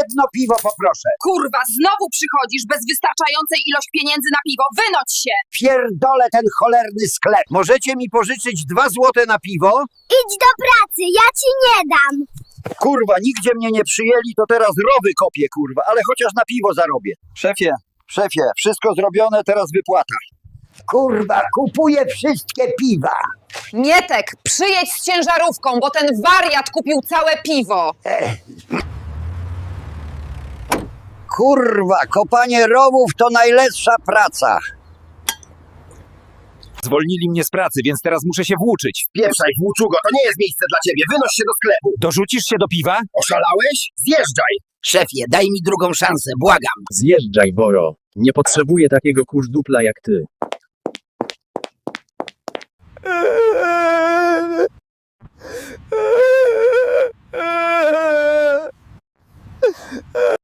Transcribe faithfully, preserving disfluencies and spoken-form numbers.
Jedno piwo poproszę. Kurwa, znowu przychodzisz bez wystarczającej ilość pieniędzy na piwo. Wynoć się! Pierdolę ten cholerny sklep. Możecie mi pożyczyć dwa złote na piwo? Idź do pracy, ja ci nie dam. Kurwa, nigdzie mnie nie przyjęli, to teraz rowy kopię, kurwa, ale chociaż na piwo zarobię. Szefie, szefie, wszystko zrobione, teraz wypłata. Kurwa, kupuję wszystkie piwa. Mietek, przyjedź z ciężarówką, bo ten wariat kupił całe piwo. Kurwa, kopanie rowów to najlepsza praca. Zwolnili mnie z pracy, więc teraz muszę się włóczyć. Pieprzaj, włóczugo, to nie jest miejsce dla ciebie. Wynoś się do sklepu. Dorzucisz się do piwa? Oszalałeś? Zjeżdżaj. Szefie, daj mi drugą szansę, błagam. Zjeżdżaj, Boro. Nie potrzebuję takiego kurzdupla jak ty.